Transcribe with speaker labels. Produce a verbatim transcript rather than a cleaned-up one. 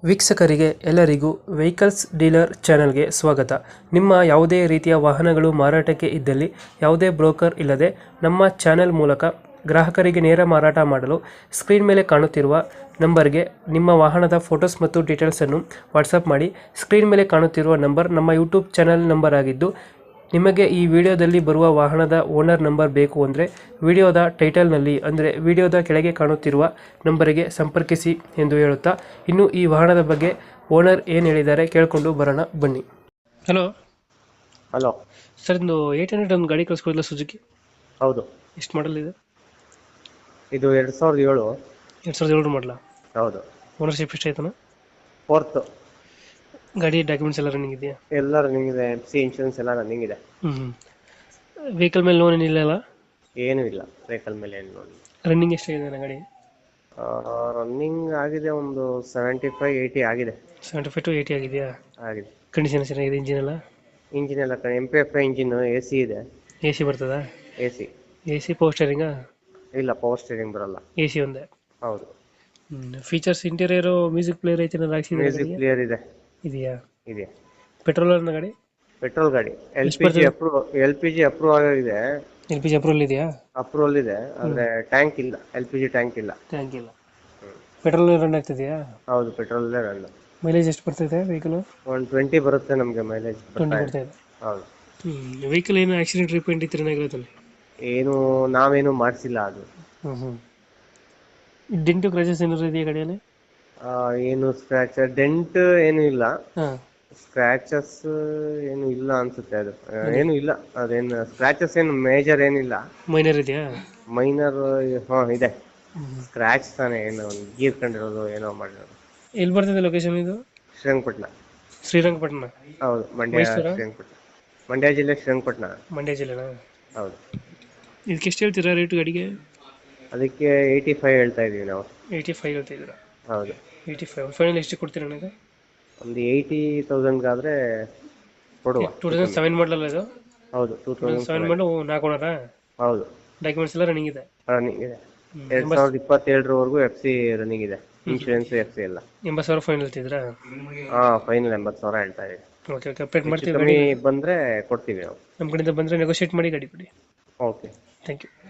Speaker 1: ವೀಕ್ಷಕರಿಗೆ ಎಲ್ಲರಿಗೂ vehicles dealer ಚಾನೆಲ್ಗೆ ಸ್ವಾಗತ. ನಿಮ್ಮ ಯಾವುದೇ ರೀತಿಯ ವಾಹನಗಳು ಮಾರಾಟಕ್ಕೆ ಇದ್ದಲ್ಲಿ ಯಾವುದೇ ಬ್ರೋಕರ್ ಇಲ್ಲದೆ ನಮ್ಮ ಚಾನೆಲ್ ಮೂಲಕ ಗ್ರಾಹಕರಿಗೆ ನೇರ ಮಾರಾಟ ಮಾಡಲು ಸ್ಕ್ರೀನ್ ಮೇಲೆ ಕಾಣುತ್ತಿರುವ ನಂಬರ್ಗೆ ನಿಮ್ಮ ವಾಹನದ ಫೋಟೋಸ್ ಮತ್ತು ಡೀಟೇಲ್ಸನ್ನು ವಾಟ್ಸಪ್ ಮಾಡಿ. ಸ್ಕ್ರೀನ್ ಮೇಲೆ ಕಾಣುತ್ತಿರುವ ನಂಬರ್ ನಮ್ಮ ಯೂಟ್ಯೂಬ್ ಚಾನೆಲ್ ನಂಬರ್ ಆಗಿದ್ದು, ನಿಮಗೆ ಈ ವಿಡಿಯೋದಲ್ಲಿ ಬರುವ ವಾಹನದ ಓನರ್ ನಂಬರ್ ಬೇಕು ಅಂದರೆ ವಿಡಿಯೋದ ಟೈಟಲ್ನಲ್ಲಿ ಅಂದರೆ ವಿಡಿಯೋದ ಕೆಳಗೆ ಕಾಣುತ್ತಿರುವ ನಂಬರಿಗೆ ಸಂಪರ್ಕಿಸಿ ಎಂದು ಹೇಳುತ್ತಾ, ಇನ್ನು ಈ ವಾಹನದ ಬಗ್ಗೆ ಓನರ್ ಏನು ಹೇಳಿದ್ದಾರೆ ಕೇಳಿಕೊಂಡು ಬರೋಣ ಬನ್ನಿ. ಹಲೋ
Speaker 2: ಹಲೋ
Speaker 1: ಸರ್, ಇದು ಏಟ್ ಹಂಡ್ರೆಡ್ ಒಂದು ಗಾಡಿ ಕಳಿಸ್ಕೊಡಿಲ್ಲ ಸುಜುಕಿ,
Speaker 2: ಹೌದು.
Speaker 1: ಎಷ್ಟು ಮಾಡಲ್ ಇದೆ?
Speaker 2: ಇದು ಎರಡು ಸಾವಿರದ ಏಳು.
Speaker 1: ಎರಡು ಸಾವಿರದ ಏಳು ಮಾಡಲ?
Speaker 2: ಹೌದು.
Speaker 1: ಓನರ್ಶಿಪ್ ಎಷ್ಟು ಆಯ್ತಾನ?
Speaker 2: ಫೋರ್ತ್.
Speaker 1: ಗಾಡಿ ಡಾಕ್ಯುಮೆಂಟ್ಸ್ ಎಲ್ಲ ರನ್ನಿಂಗ್ ಇದೆಯಾ?
Speaker 2: ಎಲ್ಲ ರನ್ನಿಂಗ್ ಇದೆ. ಎಫ್ ಸಿ ಇನ್ಶೂರೆನ್ಸ್ ಎಲ್ಲ ರನ್ನಿಂಗ್ ಇದೆ.
Speaker 1: ಹ್ಞೂ ವೆಹಿಕಲ್ ಮೇಲೆ ಲೋನ್ ಏನಿಲ್ಲ ಅಲ್ಲ?
Speaker 2: ಏನೂ ಇಲ್ಲ. ವೆಹಿಕಲ್ ಮೇಲೆ ಏನು ನೋಡಿ.
Speaker 1: ರನ್ನಿಂಗ್ ಎಷ್ಟಾಗಿದೆ ನನ್ನ ಗಾಡಿ?
Speaker 2: ರನ್ನಿಂಗ್ ಆಗಿದೆ ಒಂದು ಸೆವೆಂಟಿ ಫೈವ್ ಏಯ್ಟಿ ಆಗಿದೆ.
Speaker 1: ಸೆವೆಂಟಿ ಫೈವ್ ಟು ಏಯ್ಟಿ ಆಗಿದೆಯಾ?
Speaker 2: ಆಗಿದೆ.
Speaker 1: ಕಂಡೀಷನ್ ಚೆನ್ನಾಗಿದೆ ಇಂಜಿನ್ ಎಲ್ಲ?
Speaker 2: ಇಂಜಿನ್ ಎಲ್ಲ M P F engine, A C ಇದೆ.
Speaker 1: ಎ ಸಿ ಬರ್ತದಾ?
Speaker 2: A C.
Speaker 1: A C power ಸ್ಟೇರಿಂಗಾ?
Speaker 2: ಇಲ್ಲ, ಪವರ್ ಸ್ಟೀರಿಂಗ್ ಬರಲ್ಲ.
Speaker 1: ಎ ಸಿ ಒಂದೇ?
Speaker 2: ಹೌದು.
Speaker 1: ಫೀಚರ್ಸ್ ಇಂಟೀರಿಯರು ಮ್ಯೂಸಿಕ್ ಪ್ಲೇಯರ್ ಐತೆ
Speaker 2: ಮ್ಯೂಸಿಕ್ ಪ್ಲೇಯರ್ ಇದೆ.
Speaker 1: ಇದೆಯಾ?
Speaker 2: ಇದೆ.
Speaker 1: ಪೆಟ್ರೋಲ್ ಅನ್ನೋ ಗಾಡಿ?
Speaker 2: ಪೆಟ್ರೋಲ್ ಗಾಡಿ. L P G approve L P G approve ಆಗಿದೆ.
Speaker 1: ಎಲ್ ಪಿ ಜಿ ಅಪ್ರೂವಲ್ ಇದೆಯಾ?
Speaker 2: ಅಪ್ರೂವಲ್ ಇದೆ, ಆದರೆ ಟ್ಯಾಂಕ್ ಇಲ್ಲ. ಎಲ್ ಪಿ ಜಿ ಟ್ಯಾಂಕ್ ಇಲ್ಲ.
Speaker 1: ಟ್ಯಾಂಕ್ ಇಲ್ಲ. ಪೆಟ್ರೋಲ್ ರನ್ ಆಗ್ತಿದೆಯಾ?
Speaker 2: ಹೌದು, ಪೆಟ್ರೋಲ್ ರನ್.
Speaker 1: ಮೈಲೇಜ್ ಎಷ್ಟು ಬರ್ತಿದೆ ವೆಹಿಕಲ್?
Speaker 2: ಒನ್ ಟ್ವೆಂಟಿ ಬರುತ್ತೆ ನಮಗೆ ಮೈಲೇಜ್.
Speaker 1: ಟ್ವೆಂಟಿ ಬರ್ತಾ ಇದೆ.
Speaker 2: ಹೌದು.
Speaker 1: ಹ್ಞೂ ವೆಹಿಕಲ್ ಏನು ಆಕ್ಸಿಡೆಂಟ್ ರಿಪೇಂಟ್ ಇತ್ತು ಏನಾಗಿರುತ್ತಲ್ಲ?
Speaker 2: ಏನು ನಾವೇನು ಮಾಡಿಸಿಲ್ಲ ಅದು.
Speaker 1: ಹ್ಞೂ ಹ್ಞೂ ಡೆಂಟು ಕ್ರೈಸಸ್ ಏನಾದ್ರು ಇದೆಯಾ ಗಾಡಿಯಲ್ಲಿ?
Speaker 2: ಆ, ಏನು ಸ್ಕ್ರಾಚ್ ಡೆಂಟ್ ಏನು ಇಲ್ಲ.
Speaker 1: ಹಾಂ,
Speaker 2: ಸ್ಕ್ರಾಚಸ್ ಏನು ಇಲ್ಲ ಅನ್ಸುತ್ತೆ. ಅದು ಏನು ಇಲ್ಲ. ಅದೇನು ಸ್ಕ್ರಾಚಸ್ ಏನು ಮೇಜರ್ ಏನಿಲ್ಲ.
Speaker 1: ಮೈನರ್ ಇದೆಯಾ?
Speaker 2: ಮೈನರ್ ಹಾ ಇದೆ. ಸ್ಕ್ರಾಚ್ ತಾನೇ, ಏನೋ ಒಂದು ಗೀರ್ ಕಂಡಿರೋದು, ಏನೋ ಮಾಡಿರೋದು.
Speaker 1: ಎಲ್ಲಿ ಬರ್ತದೆ ಲೊಕೇಶನ್ ಇದು?
Speaker 2: ಶ್ರೀರಂಗಪಟ್ಟಣ.
Speaker 1: ಶ್ರೀರಂಗಪಟ್ಟಣ?
Speaker 2: ಹೌದು, ಮಂಡ್ಯ. ಶ್ರೀರಂಗಪಟ್ಟಣ, ಮಂಡ್ಯ ಜಿಲ್ಲೆ ಶ್ರೀರಂಗಪಟ್ಟಣ.
Speaker 1: ಮಂಡ್ಯ ಜಿಲ್ಲೆನಾ? ಹೌದು.
Speaker 2: ಇದಕ್ಕೆ
Speaker 1: ಎಷ್ಟು ಹೇಳ್ತೀರಾ ರೇಟು ಗಾಡಿಗೆ?
Speaker 2: ಅದಕ್ಕೆ ಏಯ್ಟಿ ಫೈವ್ ಹೇಳ್ತಾ ಇದೀವಿ ನಾವು.
Speaker 1: ಏಯ್ಟಿ ಫೈವ್ ಹೇಳ್ತಾ ಇದ್ದೀರಾ?
Speaker 2: ಹೌದು.
Speaker 1: ಏಯ್ಟಿ ಫೈವ್ ಫೈನಲ್ ಎಷ್ಟು ಕೊಡ್ತೀರಾ ನನಗೆ?
Speaker 2: ಒಂದು ಏಯ್ಟಿ ತೌಸಂಡ್ಗಾದ್ರೆ ಕೊಡುವ.
Speaker 1: ಟೂ ತೌಸಂಡ್ ಸೆವೆನ್ ಮಾಡಲ್ಲ ಇದು?
Speaker 2: ಹೌದು, ಟೂ ತೌಸಂಡ್
Speaker 1: ಸೆವೆನ್ ಮಾಡಲು ನಾಲ್ಕು ಓನರಾ?
Speaker 2: ಹೌದು.
Speaker 1: ಡಾಕ್ಯುಮೆಂಟ್ಸ್ ಎಲ್ಲ ರನ್ನಿಂಗ್ ಇದೆ?
Speaker 2: ರನ್ನಿಂಗ್ ಇದೆ. ಎರಡ್ ಸಾವಿರದ ಇಪ್ಪತ್ತೇಳರವರೆಗೂ ಎಫ್ ಸಿ ರನ್ನಿಂಗ್ ಇದೆ. ಇನ್ಶೂರೆನ್ಸ್, ಎಫ್ ಸಿ ಎಲ್ಲ.
Speaker 1: ಎಂಬತ್ತು ಸಾವಿರ ಫೈನಲ್ ಹೇಳ್ತಿದ್ರಾ?
Speaker 2: ಹಾ, ಫೈನಲ್ ಎಂಬತ್ತು ಸಾವಿರ ಹೇಳ್ತಾ ಇದೆ.
Speaker 1: ಓಕೆ ಓಕೆ, ಅಪ್ಡೇಟ್ ಮಾಡ್ತೀವಿ.
Speaker 2: ಕಮ್ಮಿ ಬಂದ್ರೆ ಕೊಡ್ತೀವಿ ನಾವು.
Speaker 1: ನಮ್ಮ ಕಡೆಯಿಂದ ಬಂದರೆ ನೆಗೋಷಿಯೇಟ್ ಮಾಡಿ ಗಾಡಿ ಕೊಡಿ.
Speaker 2: Okay,
Speaker 1: thank you.